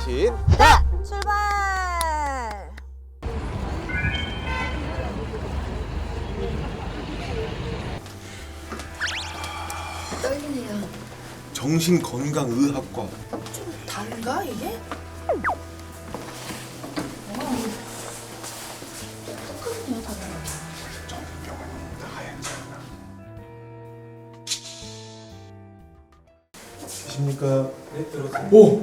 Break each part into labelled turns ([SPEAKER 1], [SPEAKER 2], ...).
[SPEAKER 1] 자신.
[SPEAKER 2] 출발!
[SPEAKER 3] 떨리네요.
[SPEAKER 1] 정신건강의학과.
[SPEAKER 3] 좀 다른가 이게? 똑같네요 다들.
[SPEAKER 1] 계십니까? 네, 들어오세요. 오!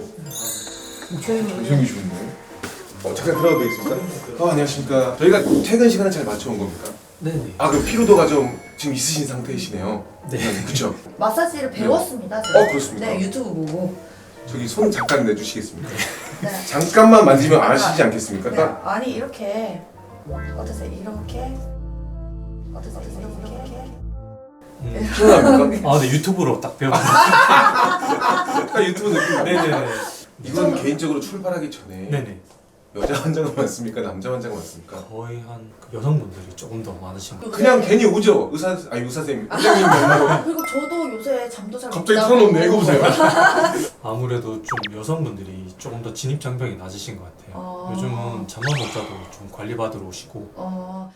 [SPEAKER 1] 잘생기셨네. 잠깐 들어가도 되겠습니까? 안녕하십니까. 저희가 퇴근 시간을 잘 맞춰온 겁니까?
[SPEAKER 4] 네네.
[SPEAKER 1] 그 피로도가 좀 지금 있으신 상태이시네요.
[SPEAKER 4] 네.
[SPEAKER 1] 그쵸?
[SPEAKER 3] 마사지를 배웠습니다. 제가.
[SPEAKER 1] 그렇습니까?
[SPEAKER 3] 네 유튜브 보고.
[SPEAKER 1] 저기 손 잠깐 내주시겠습니까?
[SPEAKER 3] 네.
[SPEAKER 1] 잠깐만 만지면 아시지 않겠습니까?
[SPEAKER 3] 네. 아니 이렇게 어떠세요? 이렇게 어떠세요? 이렇게
[SPEAKER 1] 시원합니까?
[SPEAKER 4] 네, 유튜브로 딱 배웠어요.
[SPEAKER 1] 딱 유튜브 느낌.
[SPEAKER 4] 네네네.
[SPEAKER 1] 이건 개인적으로 출발하기 전에
[SPEAKER 4] 네네.
[SPEAKER 1] 여자 환자가 많습니까? 남자 환자가 많습니까?
[SPEAKER 4] 거의 한 여성분들이 조금 더 많으신 것 같아요.
[SPEAKER 1] 그냥 괜히 오죠. 의사쌤, 원장님 만나러.
[SPEAKER 3] 그리고 저도 요새 잠도 잘 못
[SPEAKER 1] 갑자기
[SPEAKER 3] 자고.
[SPEAKER 1] 털어놓네. 이거 보세요.
[SPEAKER 4] 아무래도 좀 여성분들이 조금 더 진입 장벽이 낮으신 것 같아요. 요즘은 잠만 못 자도 좀 관리받으러 오시고.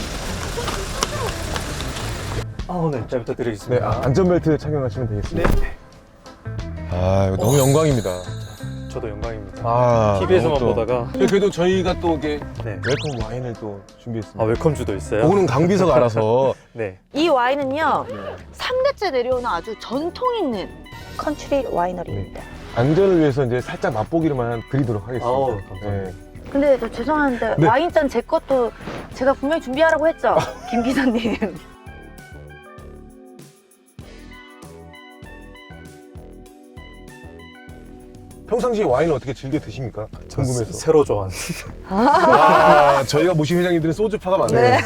[SPEAKER 4] 네, 잘 부탁드리겠습니다.
[SPEAKER 1] 안전벨트 착용하시면 되겠습니다.
[SPEAKER 4] 네.
[SPEAKER 1] 이거 너무 영광입니다.
[SPEAKER 4] 저도 영광입니다. TV에서만
[SPEAKER 1] 너무 또-
[SPEAKER 4] 보다가.
[SPEAKER 1] 그래도 저희가 또 이게
[SPEAKER 4] 네.
[SPEAKER 1] 웰컴 와인을 또 준비했습니다.
[SPEAKER 4] 웰컴주도 있어요?
[SPEAKER 1] 그거는 강비서가 알아서.
[SPEAKER 4] 네.
[SPEAKER 2] 이 와인은요, 3대째 내려오는 아주 전통 있는 컨트리 와이너리입니다.
[SPEAKER 1] 안전을 위해서 이제 살짝 맛보기로만 드리도록 하겠습니다.
[SPEAKER 4] 감사합니다.
[SPEAKER 1] 네.
[SPEAKER 2] 근데 저 죄송한데
[SPEAKER 1] 네.
[SPEAKER 2] 와인잔 제 것도 제가 분명히 준비하라고 했죠? 김 기사님.
[SPEAKER 1] 평상시에 와인을 어떻게 즐겨 드십니까? 궁금해서.
[SPEAKER 4] 새로 좋아하는.
[SPEAKER 1] 저희가 모신 회장님들은 소주파가 많네요.
[SPEAKER 2] 네.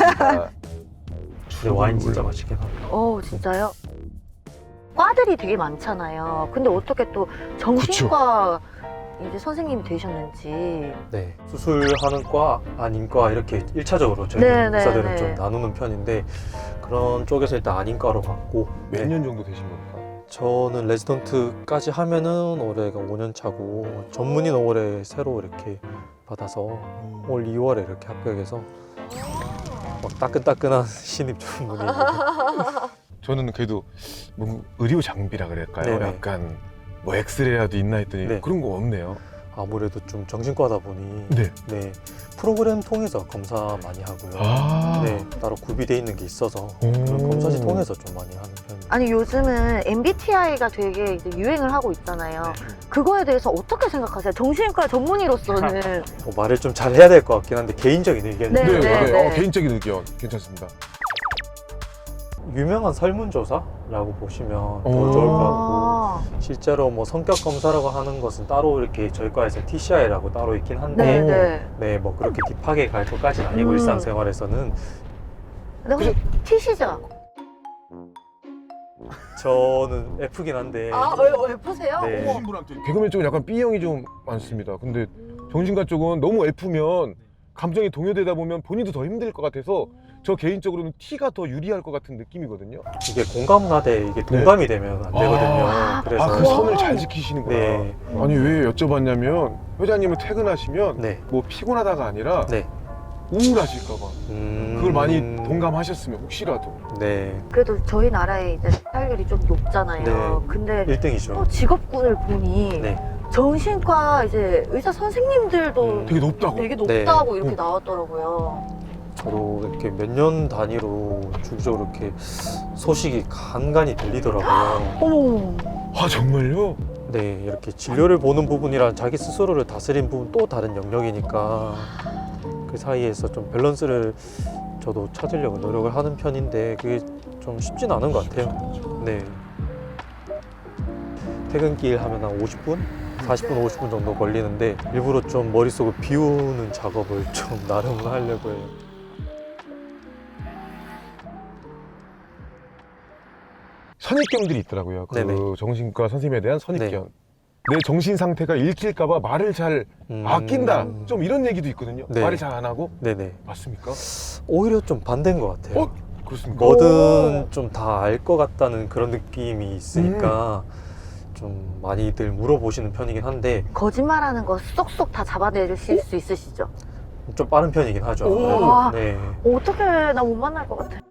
[SPEAKER 4] 와인 진짜 맛있긴 하다.
[SPEAKER 2] 진짜요? 과들이 되게 많잖아요. 근데 어떻게 또 정신과 이제 선생님이 되셨는지.
[SPEAKER 4] 네. 수술하는 과, 안인과 이렇게 1차적으로 저희
[SPEAKER 2] 네, 네,
[SPEAKER 4] 의사들은
[SPEAKER 2] 네.
[SPEAKER 4] 좀 나누는 편인데 그런 쪽에서 일단 안인과로 갔고
[SPEAKER 1] 몇 년 정도 되신 겁니까?
[SPEAKER 4] 저는 레지던트까지 하면은 올해가 5년 차고 전문의 올해 새로 이렇게 받아서 올 2월에 이렇게 합격해서 막 따끈따끈한 신입 전문의입니다.
[SPEAKER 1] 저는 그래도 뭐 의료 장비라 그럴까요?
[SPEAKER 4] 네네.
[SPEAKER 1] 약간 뭐 엑스레이라도 있나 했더니
[SPEAKER 4] 네.
[SPEAKER 1] 그런 거 없네요.
[SPEAKER 4] 아무래도 좀 정신과다 보니
[SPEAKER 1] 네.
[SPEAKER 4] 네, 프로그램 통해서 검사 많이 하고요. 네, 따로 구비돼 있는 게 있어서 그런 검사지 통해서 좀 많이 하는 편입니다.
[SPEAKER 2] 아니 요즘은 MBTI가 되게 이제 유행을 하고 있잖아요. 그거에 대해서 어떻게 생각하세요? 정신과 전문의로서는.
[SPEAKER 4] 말을 좀 잘 해야 될 것 같긴 한데 개인적인 의견인데
[SPEAKER 2] 네, 네, 네.
[SPEAKER 1] 개인적인 의견 괜찮습니다.
[SPEAKER 4] 유명한 설문조사라고 보시면 더 좋을 것 같고 실제로 뭐 성격 검사라고 하는 것은 따로 이렇게 저희 과에서 TCI라고 따로 있긴 한데
[SPEAKER 2] 네.
[SPEAKER 4] 네, 뭐 그렇게 딥하게 갈 것까지는 아니고 일상생활에서는
[SPEAKER 2] 근데 혹시 T시죠?
[SPEAKER 4] 저는 F긴 한데
[SPEAKER 2] 왜 보세요?
[SPEAKER 4] 네.
[SPEAKER 2] 어머.
[SPEAKER 1] 분한테 개그맨 쪽은 약간 B형이 좀 많습니다. 근데 정신과 쪽은 너무 F면 감정이 동요되다 보면 본인도 더 힘들 것 같아서 저 개인적으로는 T가 더 유리할 것 같은 느낌이거든요.
[SPEAKER 4] 이게 공감하되 이게 동감이 되면 안 되거든요. 그래서
[SPEAKER 1] 그 선을 잘 지키시는구나.
[SPEAKER 4] 네.
[SPEAKER 1] 아니 왜 여쭤봤냐면 회장님은 퇴근하시면
[SPEAKER 4] 네.
[SPEAKER 1] 뭐 피곤하다가 아니라
[SPEAKER 4] 네.
[SPEAKER 1] 우울하실까 봐. 그걸 많이 동감하셨으면 혹시라도.
[SPEAKER 4] 네.
[SPEAKER 2] 그래도 저희 나라에 이제 살률이 좀 높잖아요.
[SPEAKER 4] 네.
[SPEAKER 2] 근데
[SPEAKER 4] 1등이죠.
[SPEAKER 2] 또 직업군을 보니
[SPEAKER 4] 네.
[SPEAKER 2] 정신과 이제 의사 선생님들도
[SPEAKER 1] 되게 높다고.
[SPEAKER 2] 되게 높다고
[SPEAKER 4] 네.
[SPEAKER 2] 이렇게 나왔더라고요.
[SPEAKER 4] 저도 이렇게 몇 년 단위로 주기적으로 이렇게 소식이 간간히 들리더라고요.
[SPEAKER 2] 어머.
[SPEAKER 1] 아 정말요?
[SPEAKER 4] 네, 이렇게 진료를 보는 부분이랑 자기 스스로를 다스리는 부분 또 다른 영역이니까 그 사이에서 좀 밸런스를 저도 찾으려고 노력을 하는 편인데 그게 좀 쉽진 않은 것 같아요. 네. 퇴근길 하면 한 50분? 40분, 50분 정도 걸리는데 일부러 좀 머릿속을 비우는 작업을 좀 나름은 하려고 해요.
[SPEAKER 1] 선입견들이 있더라고요. 그
[SPEAKER 4] 네네.
[SPEAKER 1] 정신과 선생님에 대한 선입견.
[SPEAKER 4] 네.
[SPEAKER 1] 내 정신 상태가 읽힐까봐 말을 잘 아낀다. 좀 이런 얘기도 있거든요.
[SPEAKER 4] 네.
[SPEAKER 1] 말을 잘 안 하고.
[SPEAKER 4] 네네.
[SPEAKER 1] 맞습니까?
[SPEAKER 4] 오히려 좀 반대인 것 같아요.
[SPEAKER 1] 그렇습니까?
[SPEAKER 4] 뭐든 좀 다 알 것 같다는 그런 느낌이 있으니까 좀 많이들 물어보시는 편이긴 한데
[SPEAKER 2] 거짓말하는 거 쏙쏙 다 잡아내실 수 있으시죠?
[SPEAKER 4] 좀 빠른 편이긴 하죠.
[SPEAKER 2] 오.
[SPEAKER 4] 네.
[SPEAKER 2] 어떻게 나 못 만날 것 같아.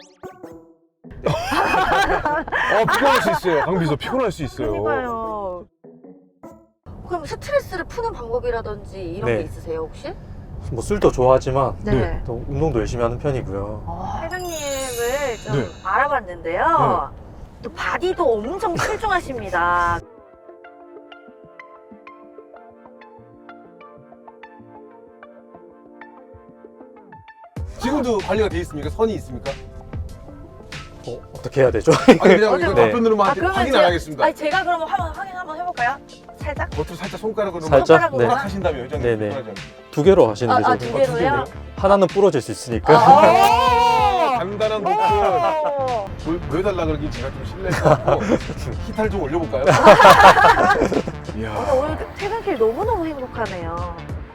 [SPEAKER 1] 피곤할 수 있어요. 강비서 피곤할 수 있어요.
[SPEAKER 2] 그러니까요. 그럼 스트레스를 푸는 방법이라든지 이런
[SPEAKER 4] 네.
[SPEAKER 2] 게 있으세요 혹시?
[SPEAKER 4] 뭐 술도 좋아하지만
[SPEAKER 1] 네.
[SPEAKER 4] 또 운동도 열심히 하는 편이고요.
[SPEAKER 2] 회장님을 좀
[SPEAKER 1] 네.
[SPEAKER 2] 알아봤는데요. 또 바디도 엄청 출중하십니다.
[SPEAKER 1] 지금도 관리가 돼 있습니까? 선이 있습니까?
[SPEAKER 4] 어떻게 해야 되죠?
[SPEAKER 1] 아니 그냥 이거
[SPEAKER 4] 네.
[SPEAKER 1] 답변으로만
[SPEAKER 2] 그러면
[SPEAKER 1] 확인 안
[SPEAKER 2] 제가-
[SPEAKER 1] 하겠습니다.
[SPEAKER 2] 아니 제가 그러면 확인 한번 해볼까요? 살짝?
[SPEAKER 1] 겉으로 살짝 손가락으로
[SPEAKER 4] 살짝?
[SPEAKER 2] 손가락으로
[SPEAKER 4] 네.
[SPEAKER 1] 하신다면 회장님.
[SPEAKER 4] 네네.
[SPEAKER 1] 불편하지 않게.
[SPEAKER 4] 2개로 하시는 게
[SPEAKER 2] 두
[SPEAKER 4] 좋을 것
[SPEAKER 2] 개로요?
[SPEAKER 4] 같아요. 하나는 부러질 수 있으니까.
[SPEAKER 1] 간단한 노트 보여달라 그러긴 제가 좀 실례했고 히탈 좀 올려볼까요? 이야.
[SPEAKER 2] 오늘 퇴근길 너무너무 행복하네요.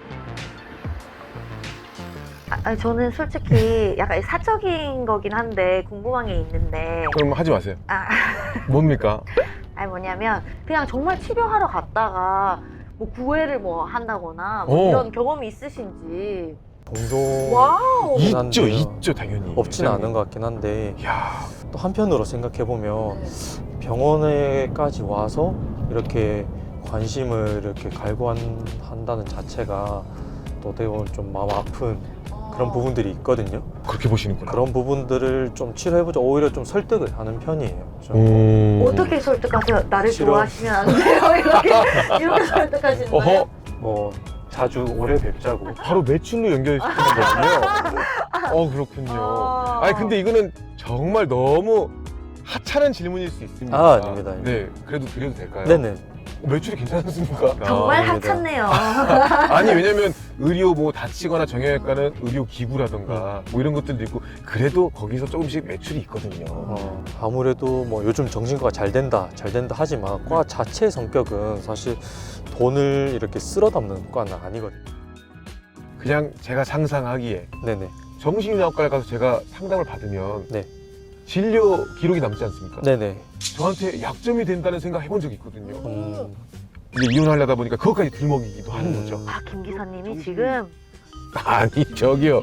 [SPEAKER 2] 아니, 저는 솔직히 약간 사적인 거긴 한데 궁금한 게 있는데
[SPEAKER 1] 그럼 하지 마세요.
[SPEAKER 2] 아,
[SPEAKER 1] 뭡니까?
[SPEAKER 2] 아니 뭐냐면 그냥 정말 치료하러 갔다가 뭐 구애를 뭐 한다거나 뭐
[SPEAKER 1] 오.
[SPEAKER 2] 이런 경험이 있으신지.
[SPEAKER 4] 동종
[SPEAKER 2] 와우.
[SPEAKER 4] 있-
[SPEAKER 1] 있죠,
[SPEAKER 4] 한데요.
[SPEAKER 1] 있죠, 당연히.
[SPEAKER 4] 없지는
[SPEAKER 1] 회장님.
[SPEAKER 4] 않은 것 같긴 한데
[SPEAKER 1] 이야.
[SPEAKER 4] 또 한편으로 생각해 보면 병원에까지 와서 이렇게 관심을 이렇게 갈구한다는 자체가 또 어떻게 보면 좀 마음 아픈 그런 부분들이 있거든요.
[SPEAKER 1] 그렇게 보시는구나.
[SPEAKER 4] 그런 부분들을 좀 치료해보자. 오히려 좀 설득을 하는 편이에요. 좀.
[SPEAKER 2] 어떻게 설득하세요? 나를
[SPEAKER 4] 싫어.
[SPEAKER 2] 좋아하시면 안 돼요? 이렇게 설득하시는 거예요?
[SPEAKER 1] 어허,
[SPEAKER 4] 뭐 자주 오래 뵙자고.
[SPEAKER 1] 바로 매출로 연결시키는 거군요. 그렇군요. 아니 근데 이거는 정말 너무 하찮은 질문일 수 있습니다.
[SPEAKER 4] 아, 아닙니다.
[SPEAKER 1] 네, 그래도 드려도 될까요?
[SPEAKER 4] 네네.
[SPEAKER 1] 매출이 괜찮습니까?
[SPEAKER 2] 정말
[SPEAKER 4] 아닙니다.
[SPEAKER 2] 하찮네요.
[SPEAKER 1] 아니 왜냐면 의료 뭐 다치거나 정형외과는 의료 기구라던가 뭐 이런 것들도 있고 그래도 거기서 조금씩 매출이 있거든요.
[SPEAKER 4] 아무래도 뭐 요즘 정신과가 잘 된다 하지만 과 자체의 성격은 사실 돈을 이렇게 쓸어 담는 과는 아니거든요.
[SPEAKER 1] 그냥 제가 상상하기에
[SPEAKER 4] 네네.
[SPEAKER 1] 정신의학과에 가서 제가 상담을 받으면
[SPEAKER 4] 네.
[SPEAKER 1] 진료 기록이 남지 않습니까?
[SPEAKER 4] 네네.
[SPEAKER 1] 저한테 약점이 된다는 생각 해본 적이 있거든요.
[SPEAKER 4] 이제
[SPEAKER 1] 이제 이혼하려다 보니까 그것까지 들먹이기도 하는 거죠.
[SPEAKER 2] 아, 김 기사님이 지금
[SPEAKER 1] 아니 저기요.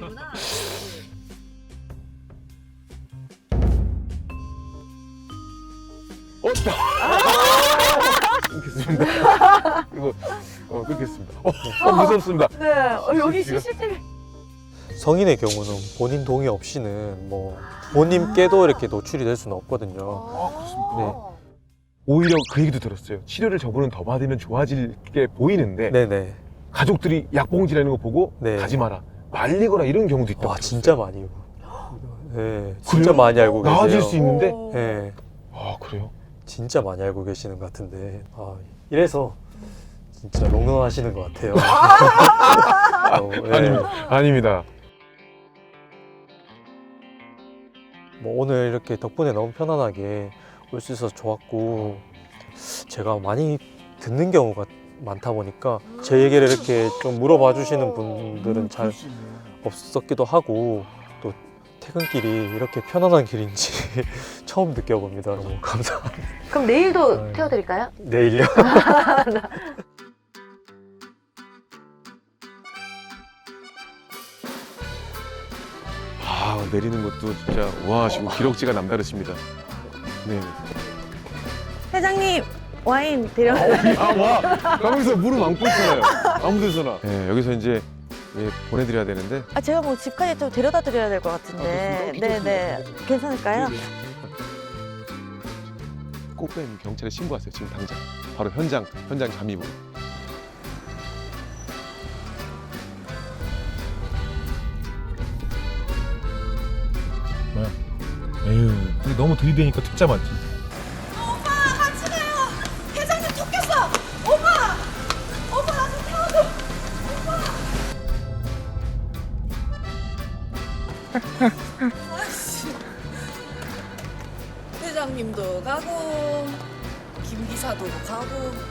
[SPEAKER 1] 끊겠습니다. 이거 끊겠습니다. 무섭습니다.
[SPEAKER 2] 네, 여기
[SPEAKER 1] 지금-
[SPEAKER 2] CCTV
[SPEAKER 4] 성인의 경우는 본인 동의 없이는 뭐 본인께도 이렇게 노출이 될 수는 없거든요.
[SPEAKER 1] 그렇습니까?
[SPEAKER 4] 네.
[SPEAKER 1] 오히려 그 얘기도 들었어요. 치료를 저분은 더 받으면 좋아질 게 보이는데
[SPEAKER 4] 네네.
[SPEAKER 1] 가족들이 약봉지라는 거 보고
[SPEAKER 4] 네.
[SPEAKER 1] 가지 마라 말리거나 이런 경우도 있다고
[SPEAKER 4] 와
[SPEAKER 1] 들었어요.
[SPEAKER 4] 진짜 많이. 네, 진짜
[SPEAKER 1] 그래요?
[SPEAKER 4] 많이 알고 계세요.
[SPEAKER 1] 나아질 수 있는데
[SPEAKER 4] 네,
[SPEAKER 1] 그래요?
[SPEAKER 4] 진짜 많이 알고 계시는 것 같은데. 이래서 진짜 롱런하시는 것 같아요. 네.
[SPEAKER 1] 아닙니다.
[SPEAKER 4] 뭐 오늘 이렇게 덕분에 너무 편안하게 올 수 있어서 좋았고, 제가 많이 듣는 경우가 많다 보니까 제 얘기를 이렇게 좀 물어봐 주시는 분들은 잘 없었기도 하고, 또 퇴근길이 이렇게 편안한 길인지 처음 느껴봅니다. 너무 감사합니다.
[SPEAKER 2] 그럼 내일도
[SPEAKER 4] 네.
[SPEAKER 2] 태워드릴까요?
[SPEAKER 4] 내일요?
[SPEAKER 1] 내리는 것도 진짜 와 지금 기럭지가 남다르십니다. 네.
[SPEAKER 2] 회장님 와인 드려.
[SPEAKER 1] 와 가면서 무릎 안고 있잖아요. 아무데서나. 네, 여기서 이제 보내드려야 되는데.
[SPEAKER 2] 아 제가 뭐 집까지 좀 데려다 드려야 될 것 같은데. 네네. 괜찮을까요?
[SPEAKER 1] 꽃뱀 경찰에 신고하세요. 지금 당장. 바로 현장 잠입으로. 뭐야? 에휴, 근데 너무 들이대니까 특자 맞지?
[SPEAKER 3] 회장님도 가고 김 기사도 가고